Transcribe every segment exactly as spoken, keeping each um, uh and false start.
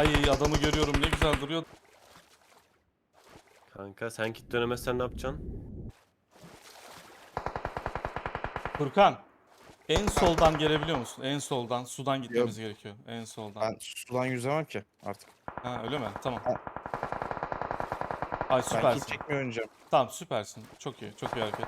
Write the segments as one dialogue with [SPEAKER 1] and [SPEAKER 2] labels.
[SPEAKER 1] Ay adamı görüyorum, ne güzel duruyor.
[SPEAKER 2] Kanka sen kit dönemezsen ne yapacaksın?
[SPEAKER 1] Furkan, en soldan gelebiliyor musun? En soldan. Sudan gitmemiz
[SPEAKER 3] Yok.
[SPEAKER 1] gerekiyor. En soldan.
[SPEAKER 3] Ben sudan yüzemem ki artık.
[SPEAKER 1] Ha öyle mi? Tamam.
[SPEAKER 3] Ha.
[SPEAKER 1] Ay
[SPEAKER 3] Ben kit
[SPEAKER 1] süpersin.
[SPEAKER 3] çekmiyor oynayacağım.
[SPEAKER 1] Tamam süpersin. Çok iyi. Çok iyi hareket.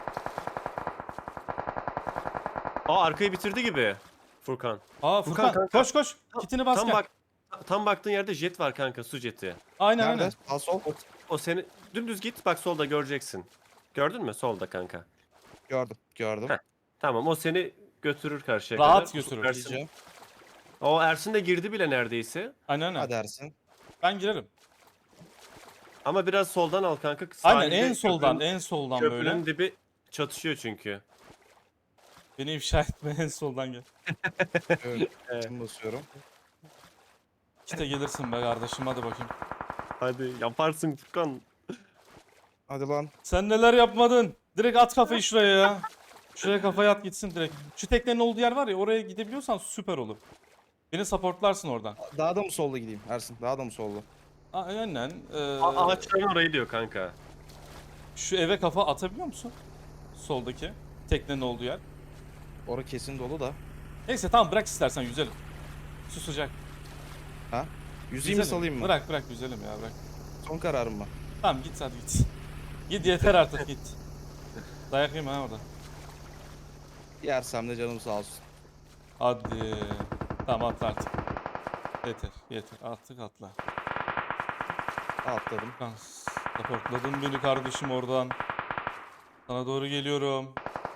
[SPEAKER 2] Aa arkayı bitirdi gibi. Furkan.
[SPEAKER 1] Aa
[SPEAKER 2] Furkan,
[SPEAKER 1] Furkan,
[SPEAKER 2] kanka.
[SPEAKER 1] koş koş. Kitini bas
[SPEAKER 2] Tam
[SPEAKER 1] gel.
[SPEAKER 2] bak tam baktığın yerde jet var kanka, su jeti.
[SPEAKER 1] Aynen
[SPEAKER 3] Nerede?
[SPEAKER 1] aynen.
[SPEAKER 3] Sağ sol.
[SPEAKER 2] O, o seni dümdüz git, bak solda göreceksin. Gördün mü? Solda kanka.
[SPEAKER 3] Gördüm. Gördüm.
[SPEAKER 2] Heh. Tamam, o seni götürür karşıya
[SPEAKER 1] Rahat
[SPEAKER 2] kadar.
[SPEAKER 1] götürür.
[SPEAKER 2] Ersin,
[SPEAKER 3] Diyeceğim.
[SPEAKER 2] o Ersin de girdi bile neredeyse.
[SPEAKER 1] Aynen aynen.
[SPEAKER 3] Hadi Ersin.
[SPEAKER 1] Ben girerim.
[SPEAKER 2] Ama biraz soldan al kanka.
[SPEAKER 1] Aynen
[SPEAKER 2] Sahilde
[SPEAKER 1] en soldan
[SPEAKER 2] köprünün-
[SPEAKER 1] en soldan
[SPEAKER 2] Köprünün
[SPEAKER 1] böyle.
[SPEAKER 2] dibi çatışıyor çünkü.
[SPEAKER 1] Beni ifşa etme, en soldan gel.
[SPEAKER 3] Evet. Şimdi basıyorum.
[SPEAKER 1] İşte gelirsin be kardeşim, hadi bakayım.
[SPEAKER 2] Hadi yaparsın Furkan.
[SPEAKER 3] Hadi lan.
[SPEAKER 1] Sen neler yapmadın? Direkt at kafayı şuraya ya. Şuraya kafayı at gitsin direkt. Şu teknenin olduğu yer var ya, oraya gidebiliyorsan süper olur. Beni supportlarsın oradan.
[SPEAKER 3] Daha da mı solda gideyim Ersin? Daha da mı solda?
[SPEAKER 1] Aynen. Ee,
[SPEAKER 2] A- Ağaçların orayı diyor kanka.
[SPEAKER 1] şu eve kafa atabiliyor musun? Soldaki. Teknenin olduğu yer.
[SPEAKER 3] Orası kesin dolu da.
[SPEAKER 1] Neyse tamam, bırak istersen yüzelim. Su sıcak.
[SPEAKER 3] Ha? Yüzeyim mi
[SPEAKER 1] Yüzelim.
[SPEAKER 3] salayım mı?
[SPEAKER 1] Bırak bırak yüzelim ya, bırak.
[SPEAKER 3] Son kararım mı?
[SPEAKER 1] Tamam git hadi git. Git yeter artık git. Dayak yeme ha orada.
[SPEAKER 3] Yersem de canım sağ olsun.
[SPEAKER 1] Hadi. Tamam atla artık. Yeter yeter, artık atla.
[SPEAKER 3] Atladım.
[SPEAKER 1] Lan supportladın beni kardeşim oradan. Sana doğru geliyorum.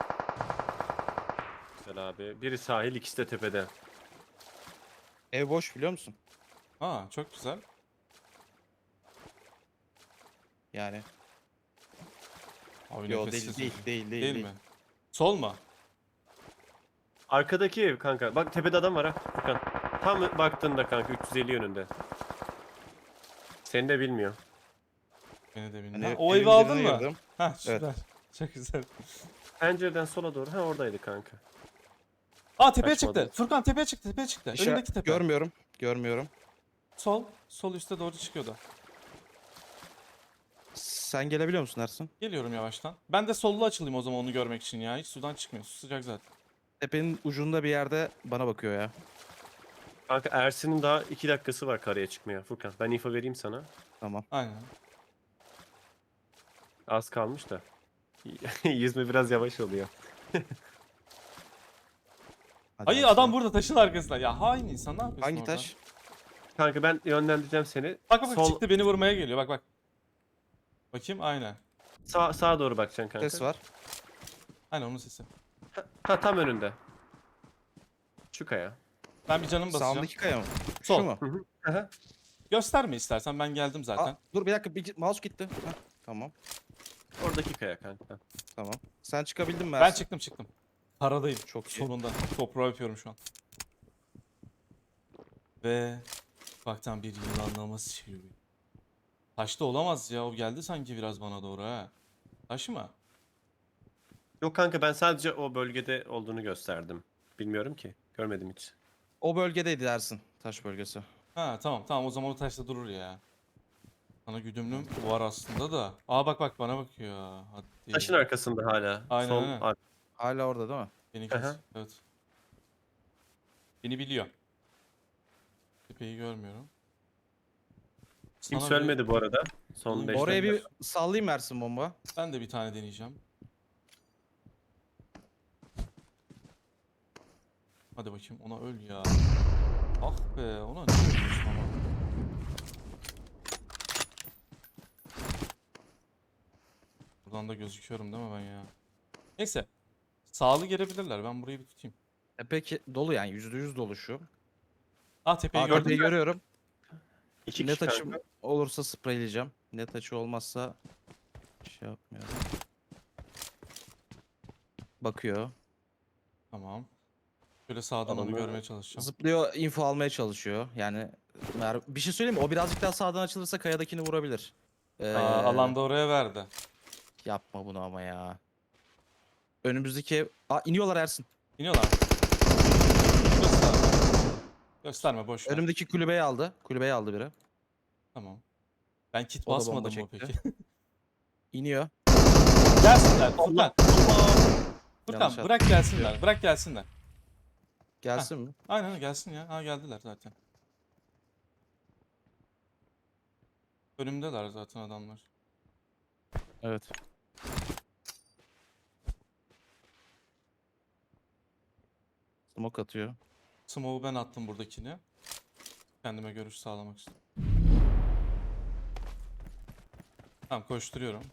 [SPEAKER 2] Güzel abi. Biri sahil, ikisi de tepede.
[SPEAKER 3] Ev boş biliyor musun?
[SPEAKER 1] Ha çok güzel.
[SPEAKER 3] Yani.
[SPEAKER 1] Abi
[SPEAKER 3] Yo
[SPEAKER 1] nefessiz
[SPEAKER 3] değil, değil, değil, değil,
[SPEAKER 1] Değil
[SPEAKER 3] değil.
[SPEAKER 1] mi? Sol mu?
[SPEAKER 2] Arkadaki ev kanka. Bak tepede adam var ha Furkan. Tam baktığında kanka üç yüz elli yönünde. Seni de bilmiyor.
[SPEAKER 1] Beni de bilmiyorum.
[SPEAKER 3] Hani
[SPEAKER 1] Ha, o
[SPEAKER 3] evin
[SPEAKER 1] evi aldın
[SPEAKER 3] birine
[SPEAKER 1] mı?
[SPEAKER 3] girdim.
[SPEAKER 1] Ha süper.
[SPEAKER 3] Evet.
[SPEAKER 1] Çok güzel.
[SPEAKER 2] Pencereden sola doğru. Ha oradaydı kanka.
[SPEAKER 1] Aa tepeye
[SPEAKER 2] Kaçmadı.
[SPEAKER 1] çıktı. Furkan tepeye çıktı, tepeye çıktı.
[SPEAKER 3] İşte
[SPEAKER 1] Önündeki tepe.
[SPEAKER 3] görmüyorum. Görmüyorum.
[SPEAKER 1] Sol. Sol üste doğru çıkıyordu.
[SPEAKER 3] Sen gelebiliyor musun Ersin?
[SPEAKER 1] Geliyorum yavaştan. Ben de sollu açılayım o zaman onu görmek için ya. Hiç sudan çıkmıyor. Su sıcak zaten.
[SPEAKER 3] Tepenin ucunda bir yerde bana bakıyor ya.
[SPEAKER 2] Kanka Ersin'in daha iki dakikası var karaya çıkmaya Furkan. Ben info vereyim sana.
[SPEAKER 3] Tamam.
[SPEAKER 1] Aynen.
[SPEAKER 2] Az kalmış da. Yüzme biraz yavaş oluyor.
[SPEAKER 3] Hadi
[SPEAKER 1] Hayır
[SPEAKER 3] Ersin.
[SPEAKER 1] adam burada taşın arkasında. Ya hain insan, ne yapıyorsun
[SPEAKER 3] Hangi
[SPEAKER 1] orada?
[SPEAKER 3] taş?
[SPEAKER 2] Kanka ben yönlendireceğim seni.
[SPEAKER 1] Bak bak
[SPEAKER 2] Sol,
[SPEAKER 1] çıktı, beni vurmaya geliyor. Bak bak. Bakayım aynen.
[SPEAKER 2] sağ, sağa doğru bakacaksın kanka.
[SPEAKER 3] Ses var.
[SPEAKER 1] Aynen onun sesi.
[SPEAKER 2] Ha tam önünde. Şu kaya.
[SPEAKER 1] Ben bir canım basacağım.
[SPEAKER 3] Sağımdaki kaya mı?
[SPEAKER 1] Sol.
[SPEAKER 3] Şu mu?
[SPEAKER 2] Hı hı. Aha.
[SPEAKER 1] Gösterme istersen, ben geldim zaten.
[SPEAKER 3] Aa, dur bir dakika, bir mouse gitti. Heh, tamam.
[SPEAKER 2] Oradaki kaya kanka.
[SPEAKER 3] Tamam. Sen çıkabildin mi
[SPEAKER 1] Ben
[SPEAKER 3] Ersin?
[SPEAKER 1] çıktım çıktım. Paradayım.
[SPEAKER 3] Çok iyi.
[SPEAKER 1] Sonunda. Toprağı yapıyorum şu an. Ve baktan bir yılanlaması çeviriyor. Taşta olamaz ya. O geldi sanki biraz bana doğru ha. Taş mı?
[SPEAKER 2] Yok kanka ben sadece o bölgede olduğunu gösterdim. Bilmiyorum ki. Görmedim hiç.
[SPEAKER 3] O bölgedeydi Ersin. Taş bölgesi.
[SPEAKER 1] Ha tamam tamam, o zaman o taşta durur ya. Sana güdümlüm var aslında da. Aa bak bak bana bakıyor. Hadi.
[SPEAKER 2] Taşın arkasında hala.
[SPEAKER 1] Aynen,
[SPEAKER 2] Sol
[SPEAKER 1] aynen.
[SPEAKER 2] ar-
[SPEAKER 3] Hala orada değil mi?
[SPEAKER 1] Beni kes.
[SPEAKER 2] Aha.
[SPEAKER 1] Evet. Beni biliyor. Tepeyi görmüyorum.
[SPEAKER 2] Kimse
[SPEAKER 1] Sana bir-
[SPEAKER 2] ölmedi bu arada. Son
[SPEAKER 1] Oğlum,
[SPEAKER 2] beş
[SPEAKER 3] Oraya
[SPEAKER 2] dakika.
[SPEAKER 3] bir sallayayım Ersin bomba.
[SPEAKER 1] Ben de bir tane deneyeceğim. Hadi bakayım, ona öl ya. Ah be, ona ne ölüyorsun ama. Buradan da gözüküyorum değil mi ben ya? Neyse. Sağlı gelebilirler. Ben burayı bir tutayım.
[SPEAKER 3] E peki dolu yani yüzde yüz dolu şu.
[SPEAKER 1] Ah tepeyi
[SPEAKER 3] Aa,
[SPEAKER 1] gördüm.
[SPEAKER 3] tepeyi görüyorum.
[SPEAKER 2] İki
[SPEAKER 3] Net
[SPEAKER 2] kişi
[SPEAKER 3] açım
[SPEAKER 2] kanka.
[SPEAKER 3] olursa spreyleyeceğim. Net açı olmazsa şey yapmıyorum. Bakıyor.
[SPEAKER 1] Tamam. Şöyle sağdan onu
[SPEAKER 2] Adamı-
[SPEAKER 1] görmeye çalışacağım.
[SPEAKER 3] Zıplıyor, info almaya çalışıyor. Yani mer- bir şey söyleyeyim mi? O birazcık daha sağdan açılırsa kayadakini vurabilir. Ee,
[SPEAKER 1] Aa, alanda oraya verdi.
[SPEAKER 3] Yapma bunu ama ya. Önümüzdeki ev... Aa iniyorlar Ersin.
[SPEAKER 1] İniyorlar. Şurası sağ. Gösterme boş ver.
[SPEAKER 3] Önümdeki kulübeyi aldı. Kulübeyi aldı biri.
[SPEAKER 1] Tamam. Ben kit
[SPEAKER 3] O da bomba
[SPEAKER 1] basmadım mı
[SPEAKER 3] çekti.
[SPEAKER 1] peki?
[SPEAKER 3] İniyor.
[SPEAKER 1] Gelsinler
[SPEAKER 2] Allah.
[SPEAKER 1] Furkan.
[SPEAKER 3] Yanlış
[SPEAKER 1] Furkan
[SPEAKER 3] attım.
[SPEAKER 1] bırak gelsinler. Bırak gelsinler. Heh.
[SPEAKER 3] Gelsin mi?
[SPEAKER 1] Aynen gelsin ya. Ha geldiler zaten. Önümdeler zaten adamlar.
[SPEAKER 3] Evet. Smoke atıyor.
[SPEAKER 1] Smoke'u ben attım buradakini. Kendime görüş sağlamak için. Tamam koşturuyorum.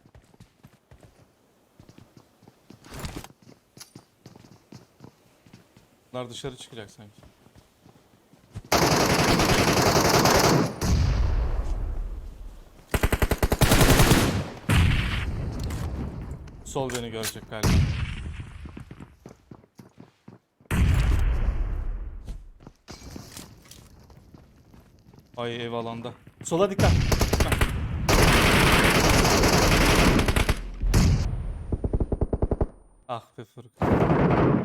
[SPEAKER 1] Bunlar dışarı çıkacak sanki. Sol beni görecek galiba. Ay ev alanda. Sola dikkat. Dikkat. Ah be Furkan.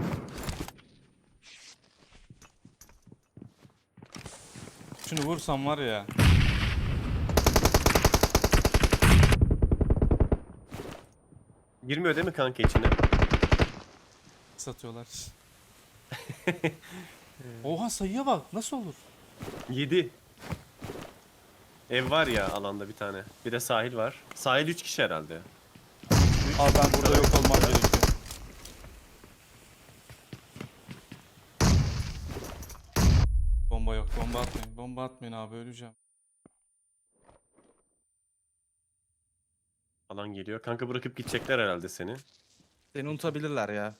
[SPEAKER 1] Şunu vursam var ya.
[SPEAKER 2] Girmiyor değil mi kanka içine?
[SPEAKER 1] Satıyorlar. Oha sayıya bak. Nasıl olur?
[SPEAKER 2] yedi. Ev var ya alanda bir tane. Bir de sahil var. Sahil üç kişi herhalde.
[SPEAKER 1] Abi ben burada yok olmam gerekiyor. Bomba yok. Bomba atmayın. Bomba atmayın abi öleceğim.
[SPEAKER 2] Alan geliyor. Kanka bırakıp gidecekler herhalde seni.
[SPEAKER 3] Seni unutabilirler ya.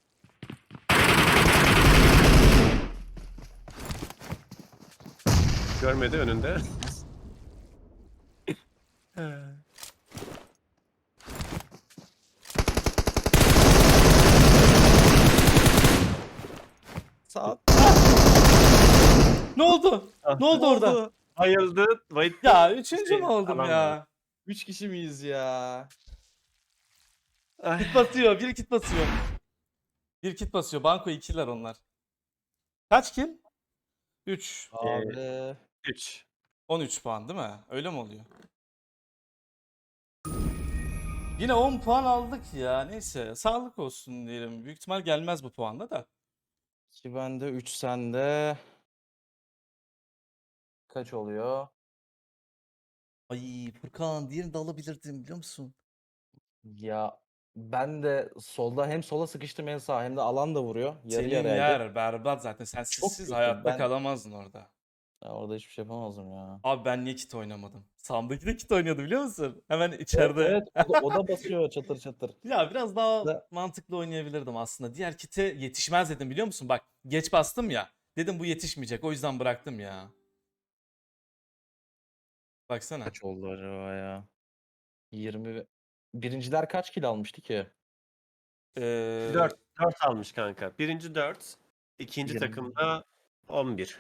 [SPEAKER 2] Görmedi önünde.
[SPEAKER 3] Sağ.
[SPEAKER 1] Ne oldu? Ne oldu orada?
[SPEAKER 2] Bayıldı. Bayıldı.
[SPEAKER 1] Ya üçüncü
[SPEAKER 2] Şey,
[SPEAKER 1] mü oldum
[SPEAKER 2] alan
[SPEAKER 1] ya?
[SPEAKER 3] Üç kişi miyiz ya?
[SPEAKER 2] Ay.
[SPEAKER 1] Kit basıyor. Bir kit basıyor. Bir kit basıyor. Banko ikiler onlar. Kaç kill? üç.
[SPEAKER 3] Abi.
[SPEAKER 2] üç.
[SPEAKER 1] on üç puan değil mi? Öyle mi oluyor? Yine on puan aldık ya. Neyse. Sağlık olsun diyelim. Büyük ihtimal gelmez bu puanla da.
[SPEAKER 3] iki bende, üç sende. Kaç oluyor?
[SPEAKER 1] Ay Furkan diğerini de alabilirdim biliyor musun?
[SPEAKER 3] Ya ben de solda hem sola sıkıştım hem sağa hem de alan da vuruyor. Yarı
[SPEAKER 1] Senin
[SPEAKER 3] yarıyaydı.
[SPEAKER 1] yer berbat zaten. Sen
[SPEAKER 3] Çok
[SPEAKER 1] sizsiz
[SPEAKER 3] kötü.
[SPEAKER 1] hayatta
[SPEAKER 3] Ben
[SPEAKER 1] kalamazdın orada.
[SPEAKER 3] Ya orada hiçbir şey yapamazdım ya.
[SPEAKER 1] Abi ben niye kit oynamadım? Sağımdaki de kit oynuyordu biliyor musun? Hemen
[SPEAKER 3] Evet,
[SPEAKER 1] içeride.
[SPEAKER 3] evet o da, o da basıyor çatır çatır.
[SPEAKER 1] Ya biraz daha
[SPEAKER 3] Da,
[SPEAKER 1] mantıklı oynayabilirdim aslında. Diğer kite yetişmez dedim biliyor musun? Bak geç bastım ya. Dedim bu yetişmeyecek. O yüzden bıraktım ya. Baksana.
[SPEAKER 3] kaç oldu acaba ya? yirmi. Birinciler kaç kilo almıştı ki?
[SPEAKER 1] Ee,
[SPEAKER 2] dört. dört almış kanka. Birinci dört. İkinci
[SPEAKER 3] yirmi.
[SPEAKER 2] takımda on bir.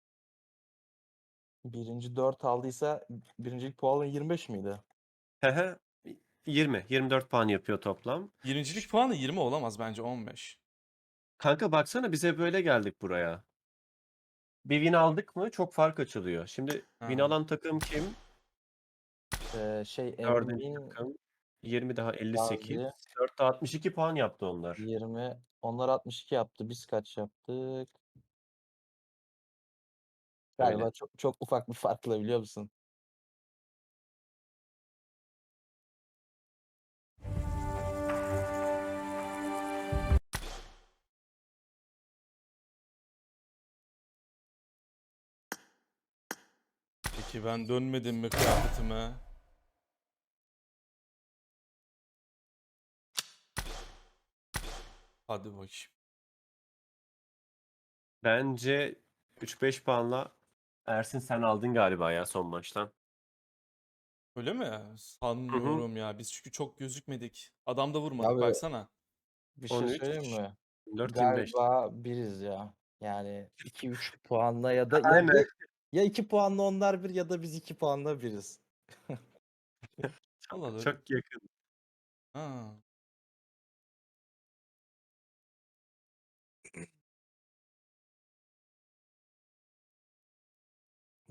[SPEAKER 3] Birinci dört aldıysa birincilik puanı yirmi beş miydi?
[SPEAKER 2] Hehe. yirmi. yirmi dört puan yapıyor toplam.
[SPEAKER 1] birincilik puanı yirmi olamaz bence on beş.
[SPEAKER 2] Kanka baksana bize böyle geldik buraya. Bir win aldık mı çok fark açılıyor. Şimdi win
[SPEAKER 1] Ha.
[SPEAKER 2] alan takım kim?
[SPEAKER 3] Ee, şey
[SPEAKER 2] Dördüncü
[SPEAKER 3] Emin
[SPEAKER 2] takım. yirmi daha elli sekiz.
[SPEAKER 3] Gazi
[SPEAKER 2] dörtte altmış iki puan yaptı onlar.
[SPEAKER 3] yirmi. Onlar altmış iki yaptı. Biz kaç yaptık?
[SPEAKER 2] Öyle.
[SPEAKER 3] Galiba çok çok ufak bir farkla biliyor musun?
[SPEAKER 1] Peki ben dönmedim mi kıyafetime? Hadi bakayım.
[SPEAKER 2] Bence üç beş puanla Ersin sen aldın galiba ya son maçtan.
[SPEAKER 1] Öyle mi?
[SPEAKER 2] Hı hı.
[SPEAKER 1] Sanmıyorum ya. Biz çünkü çok gözükmedik. Adam da vurmadık
[SPEAKER 3] Abi
[SPEAKER 1] baksana.
[SPEAKER 3] bir şey söyleyeyim
[SPEAKER 2] on üç,
[SPEAKER 3] mi?
[SPEAKER 2] dört yirmi beş.
[SPEAKER 3] Galiba biriz ya. Yani iki üç puanla ya da ya,
[SPEAKER 2] Aynen.
[SPEAKER 3] ya, ya iki puanla onlar bir ya da biz iki puanla biriz.
[SPEAKER 1] Allah Allah.
[SPEAKER 2] Çok yakın.
[SPEAKER 1] Ha.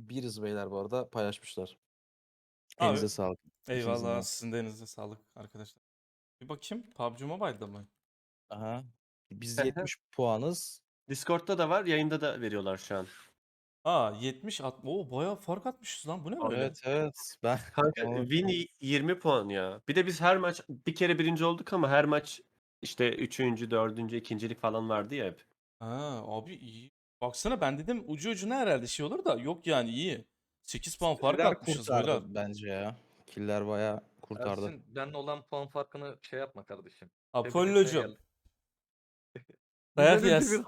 [SPEAKER 3] biriz beyler bu arada paylaşmışlar.
[SPEAKER 1] Abi,
[SPEAKER 3] Elinize sağlık. İkinizin
[SPEAKER 1] eyvallah
[SPEAKER 3] de.
[SPEAKER 1] sizin de elinize sağlık arkadaşlar. Bir bakayım P U B G Mobile'da mı?
[SPEAKER 3] Aha. Biz
[SPEAKER 2] Hı hı.
[SPEAKER 3] yetmiş puanız.
[SPEAKER 2] Discord'da da var, yayında da veriyorlar şu an.
[SPEAKER 1] Aa yetmiş at. Oo bayağı fark atmışız lan. Bu ne böyle?
[SPEAKER 3] Evet evet. Ben
[SPEAKER 2] Kanka
[SPEAKER 3] Ama-
[SPEAKER 2] win y- yirmi puan ya. Bir de biz her maç bir kere birinci olduk ama her maç işte üçüncü, dördüncü, ikincilik falan vardı ya hep.
[SPEAKER 1] Ha abi iyi. Baksana ben dedim ucu ucuna herhalde şey olur da yok yani iyi. sekiz puan fark
[SPEAKER 3] Killer
[SPEAKER 1] atmışız
[SPEAKER 3] kurtardı
[SPEAKER 1] beyler.
[SPEAKER 3] bence ya. Killer bayağı kurtardı.
[SPEAKER 4] Ersin benle olan puan farkını şey yapma kardeşim.
[SPEAKER 1] Apollo'cum.
[SPEAKER 4] Biz
[SPEAKER 1] Dayak
[SPEAKER 4] öyle
[SPEAKER 1] yersin.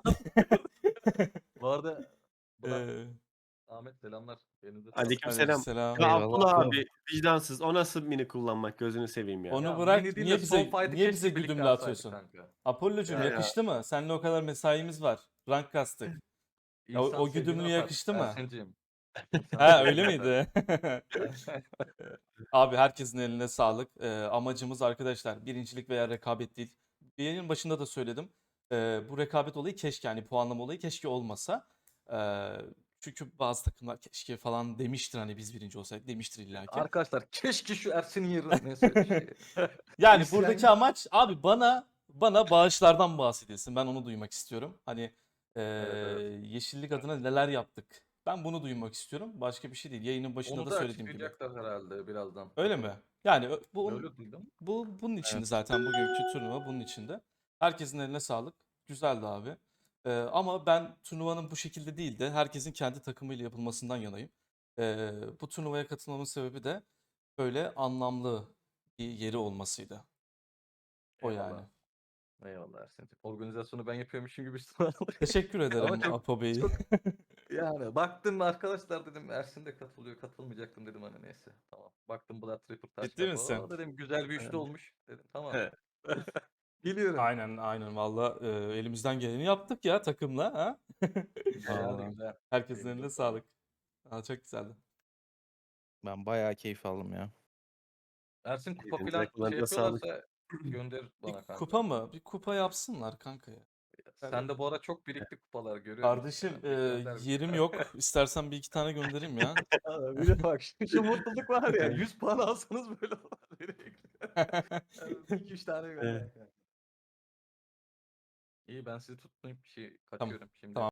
[SPEAKER 4] bir- Bu arada Burak,
[SPEAKER 1] Ee,
[SPEAKER 4] Ahmet selamlar. Elinize sağlık.
[SPEAKER 2] Aleykümselam.
[SPEAKER 1] Aleykümselam.
[SPEAKER 2] Ya
[SPEAKER 3] Eyvallah.
[SPEAKER 2] Abdullah abi vicdansız. O nasıl mini kullanmak gözünü seveyim ya.
[SPEAKER 1] Onu
[SPEAKER 4] Ya,
[SPEAKER 1] bırak.
[SPEAKER 4] mini değil
[SPEAKER 1] Niye
[SPEAKER 4] de
[SPEAKER 1] bize
[SPEAKER 4] son fight'ı
[SPEAKER 1] niye
[SPEAKER 4] keşke
[SPEAKER 1] bize
[SPEAKER 4] birlikte
[SPEAKER 1] güdümle
[SPEAKER 4] atsaydık
[SPEAKER 1] atıyorsun?
[SPEAKER 4] kanka.
[SPEAKER 1] Apollo'cum
[SPEAKER 4] Ya,
[SPEAKER 1] yakıştı mı? Seninle o kadar mesaimiz var. Rank kastık. Ya, o,
[SPEAKER 4] İnsan
[SPEAKER 1] o
[SPEAKER 4] sevdiğini
[SPEAKER 1] güdümlü
[SPEAKER 4] atar,
[SPEAKER 1] yakıştı mı?
[SPEAKER 4] Ersin'cim. İnsan
[SPEAKER 1] Ha öyle
[SPEAKER 4] sevdiğini atar.
[SPEAKER 1] miydi? Abi herkesin eline sağlık. Ee, amacımız arkadaşlar birincilik veya rekabet değil. Yayının başında da söyledim. Ee, bu rekabet olayı keşke yani puanlama olayı keşke olmasa. Ee, çünkü bazı takımlar keşke falan demiştir hani biz birinci olsaydık demiştir illa ki.
[SPEAKER 4] Arkadaşlar keşke şu Ersin'in yerine neyse şey.
[SPEAKER 1] Yani
[SPEAKER 4] İsyan-
[SPEAKER 1] buradaki amaç abi bana bana bağışlardan bahsedilsin. Ben onu duymak istiyorum. Hani e,
[SPEAKER 4] evet.
[SPEAKER 1] yeşillik adına neler yaptık. Ben bunu duymak istiyorum. Başka bir şey değil. Yayının başında
[SPEAKER 4] Onu
[SPEAKER 1] da
[SPEAKER 4] da
[SPEAKER 1] söylediğim gibi.
[SPEAKER 4] açıklayacaklar herhalde birazdan.
[SPEAKER 1] Öyle mi? Yani ö- bu
[SPEAKER 4] Öyle duydum.
[SPEAKER 1] bu bunun içinde
[SPEAKER 3] Evet.
[SPEAKER 1] zaten bugünkü turnuva bunun içinde. Herkesin eline sağlık. Güzeldi abi. Ee, ama ben turnuvanın bu şekilde değil de herkesin kendi takımıyla yapılmasından yanayım. Ee, bu turnuvaya katılmamın sebebi de böyle anlamlı bir yeri olmasıydı. O
[SPEAKER 4] Eyvallah.
[SPEAKER 1] yani.
[SPEAKER 4] Eyvallah Ersin'cim. Organizasyonu ben yapıyormuşum gibi sanırım.
[SPEAKER 1] Teşekkür ederim
[SPEAKER 4] çok-
[SPEAKER 1] Apo Bey.
[SPEAKER 4] çok- Yani baktım arkadaşlar dedim Ersin de katılıyor katılmayacaktım dedim hani neyse tamam. Baktım Blood Tripper taş
[SPEAKER 1] Ciddi
[SPEAKER 4] kafa.
[SPEAKER 1] misin?
[SPEAKER 4] "Oo," dedim güzel bir üçlü
[SPEAKER 2] Evet.
[SPEAKER 4] olmuş dedim tamam.
[SPEAKER 2] Evet.
[SPEAKER 4] Geliyorum.
[SPEAKER 1] Aynen aynen valla e, elimizden geleni yaptık ya takımla. Ha?
[SPEAKER 4] Güzeldi
[SPEAKER 3] Vallahi.
[SPEAKER 4] güzel.
[SPEAKER 1] Herkesin
[SPEAKER 4] Elinize
[SPEAKER 1] eline
[SPEAKER 4] sağlık.
[SPEAKER 1] sağlık. Aa, çok güzeldi.
[SPEAKER 3] Ben bayağı keyif aldım ya.
[SPEAKER 4] Ersin kupa
[SPEAKER 2] Elinize,
[SPEAKER 4] falan şey
[SPEAKER 2] kulağınıza sağlık.
[SPEAKER 4] yapıyorlarsa gönder bana
[SPEAKER 1] Bir
[SPEAKER 4] kanka.
[SPEAKER 1] kupa mı? Bir kupa yapsınlar kanka ya.
[SPEAKER 4] Sen de bu ara çok birikti kupalar görüyorum.
[SPEAKER 1] Kardeşim
[SPEAKER 4] Yani
[SPEAKER 1] e,
[SPEAKER 4] gönder bir-
[SPEAKER 1] yerim yok. İstersen bir iki tane göndereyim ya.
[SPEAKER 4] Ya bir de bak şu, şu mutluluk var ya yüz puan alsanız böyle olur. iki üç tane gönder.
[SPEAKER 2] Evet.
[SPEAKER 4] İyi ben sizi tutmayayım bir şey
[SPEAKER 1] Tamam,
[SPEAKER 4] kaçıyorum şimdi.
[SPEAKER 1] tamam.